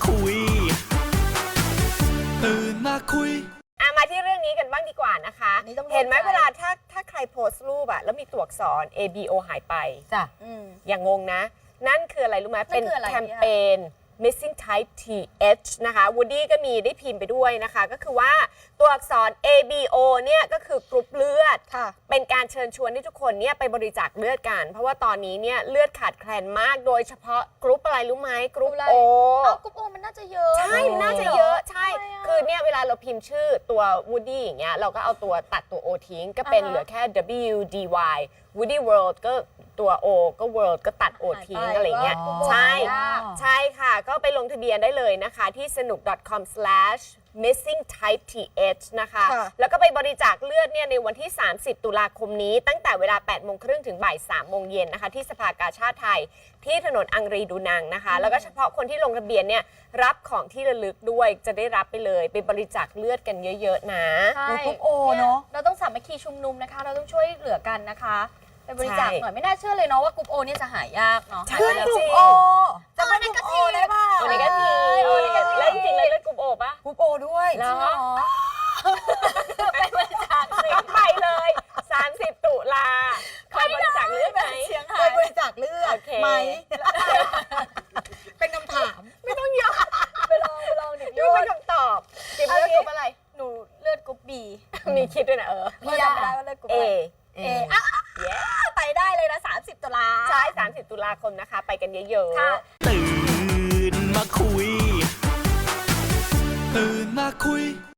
คุยตื่นมาคุยมาที่เรื่องนี้กันบ้างดีกว่านะคะเห็นไหมเวลาถ้าใครโพสต์รูปอะแล้วมีตัวอักษร ABO หายไปจ้ะอย่างงงนะนั่นคืออะไรรู้ไหมเป็นแคมเปญ Missing Type TH นะคะ Woody ก็มีได้พิมพ์ไปด้วยนะคะก็คือว่าตัวอักษร ABO เนี่ยก็คือกรุ๊ปเลือดเป็นการเชิญชวนให้ทุกคนเนี่ยไปบริจาคเลือดกันเพราะว่าตอนนี้เนี่ยเลือดขาดแคลนมากโดยเฉพาะกรุ๊ปอะไรรู้ไหมกรุ๊ป O กรุ๊ป O มันน่าจะเยอะใช่น่าจะเยอะใช่คือเนี่ยเวลาเราพิมพ์ชื่อตัว Woody อย่างเงี้ยเราก็เอาตัวตัดตัว O ทิ้งก็เป็นเหลือแค่ WDY Woody World ก็ตัว O ก็ World ก็ตัด O ทิ้งอะไรเงี้ยใช่ค่ะก็ไปลงทะเบียนได้เลยนะคะที่สนุก .com/missingtypeth นะคะแล้วก็ไปบริจาคเลือดเนี่ยในวันที่30ตุลาคมนี้ตั้งแต่เวลา 8:30 นถึงบ่าย 3:00 นนะคะที่สภากาชาดไทยที่ถนนอังรีดูนังนะคะแล้วก็เฉพาะคนที่ลงทะเบียนเนี่ยรับของที่ระลึกด้วยจะได้รับไปเลยไปบริจาคเลือดกันเยอะๆนะกรุ๊ป O เนาะเราต้องสามัคคีชุมนุมนะคะเราต้องช่วยเหลือกันนะคะไปบริจาคหน่อยไม่น่าเชื่อเลยเนาะว่ากรุ๊ป O เนี่ยจะหายากเนาะเพื่อนกลุ่ม O จะเป็นกรุ๊ป O ได้ป่ะโอเนกาทีแล้วจริงๆแล้วเลือดกลุ่ม O ป่ะกรุ๊ป O ด้วยแล้วไปบริจาคสิไปเลย30ตุลาเคยบริจาคเลือดไหมเคยบริจาคเลือดไหมเป็นคำถามไม่ต้องยอมไปลองดิดูเป็นคำตอบเก็บเลือดกรุ๊ปอะไรหนูเลือดกรุ๊ป B มีคิดด้วยนะพี่จำได้ว่าเลือดกรุ๊ป A ไปได้เลยนะ30ตุลาใช่30ตุลาคมนะคะไปกันเยอะๆตื่นมาคุยตื่นมาคุย